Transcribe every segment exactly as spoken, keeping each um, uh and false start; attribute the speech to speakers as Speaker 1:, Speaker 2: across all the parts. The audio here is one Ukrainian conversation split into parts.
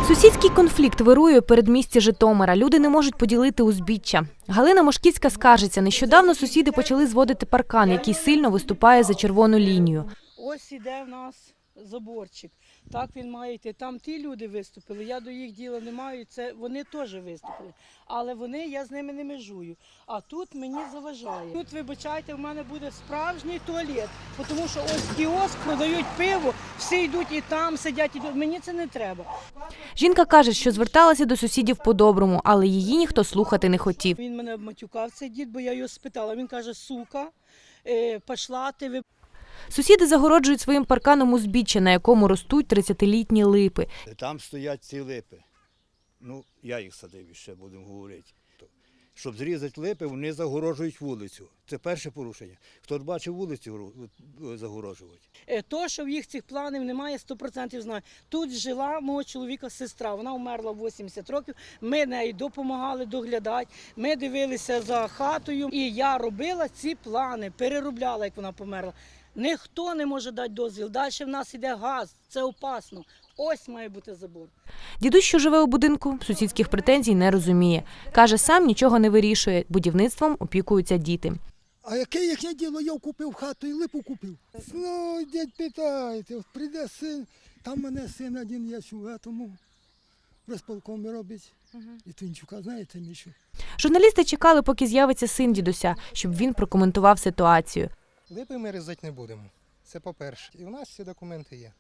Speaker 1: Сусідський конфлікт вирує у передмісті Житомира. Люди не можуть поділити узбіччя. Галина Мошківська скаржиться. Нещодавно сусіди почали зводити паркан, який сильно виступає за червону лінію.
Speaker 2: Ось іде в нас заборчик. Так він має йти. Там ті люди виступили, я до їх діла не маю, це вони теж виступили. Але вони, я з ними не межую. А тут мені заважає. Тут, вибачайте, в мене буде справжній туалет, тому що ось кіоск, продають пиво, всі йдуть і там сидять, і мені це не треба.
Speaker 1: Жінка каже, що зверталася до сусідів по-доброму, але її ніхто слухати не хотів.
Speaker 2: Він мене обматюкав, цей дід, бо я його спитала. Він каже: сука, пішла ти, ви...
Speaker 1: Сусіди загороджують своїм парканом узбіччя, на якому ростуть тридцятилітні липи.
Speaker 3: Там стоять ці липи. Ну, я їх садив, ще будемо говорити. Щоб зрізати липи, вони загорожують вулицю. Це перше порушення. Хто бачив вулицю загорожувати?
Speaker 2: То, що в їх цих планів немає, сто відсотків знаю. Тут жила мого чоловіка сестра, вона вмерла в вісімдесят років, ми неї допомагали доглядати, ми дивилися за хатою, і я робила ці плани, переробляла, як вона померла. Ніхто не може дати дозвіл. Далі в нас йде газ, це опасно. Ось має бути забор.
Speaker 1: Дідусь, що живе у будинку, сусідських претензій не розуміє. Каже, сам нічого не вирішує, будівництвом опікуються діти.
Speaker 4: А яке їхнє діло? Я купив хату і липу купив. Ну, дядь, питайте, от прийде син, там мене син один є, тому розполком робить. І Тинчука, знаєте, Мішу?
Speaker 1: Журналісти чекали, поки з'явиться син дідуся, щоб він прокоментував ситуацію.
Speaker 5: Липи ми різати не будемо, це по-перше. І у нас всі документи є.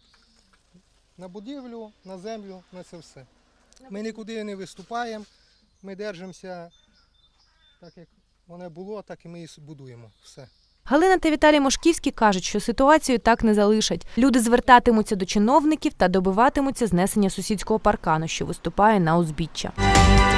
Speaker 5: На будівлю, на землю, на це все. Ми нікуди не виступаємо, ми держимося так, як воно було, так і ми її будуємо. Все.
Speaker 1: Галина та Віталій Мошківські кажуть, що ситуацію так не залишать. Люди звертатимуться до чиновників та добиватимуться знесення сусідського паркану, що виступає на узбіччя.